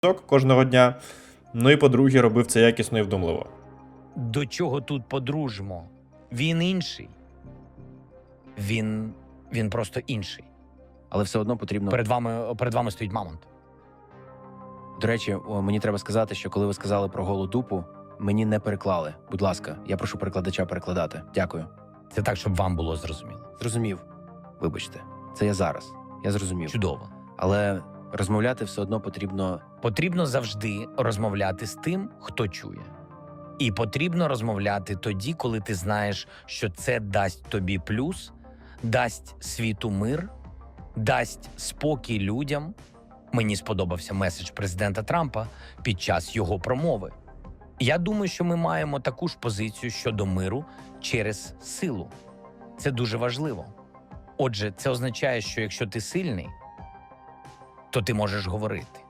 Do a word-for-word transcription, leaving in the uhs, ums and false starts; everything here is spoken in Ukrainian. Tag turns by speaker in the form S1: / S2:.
S1: кожного дня. Ну і по-друге, робив це якісно і вдумливо.
S2: До чого тут по-дружмо? Він інший. Він, він просто інший.
S3: Але все одно потрібно...
S2: Перед вами, перед вами стоїть мамонт.
S3: До речі, о, мені треба сказати, що коли ви сказали про голу дупу, мені не переклали. Будь ласка, я прошу перекладача перекладати. Дякую.
S2: Це так, щоб вам було зрозуміло.
S3: Зрозумів. Вибачте. Це я зараз. Я зрозумів.
S2: Чудово.
S3: Але розмовляти все одно потрібно...
S2: Потрібно завжди розмовляти з тим, хто чує. І потрібно розмовляти тоді, коли ти знаєш, що це дасть тобі плюс, дасть світу мир, дасть спокій людям. Мені сподобався меседж президента Трампа під час його промови. Я думаю, що ми маємо таку ж позицію щодо миру через силу. Це дуже важливо. Отже, це означає, що якщо ти сильний, то ти можеш говорити.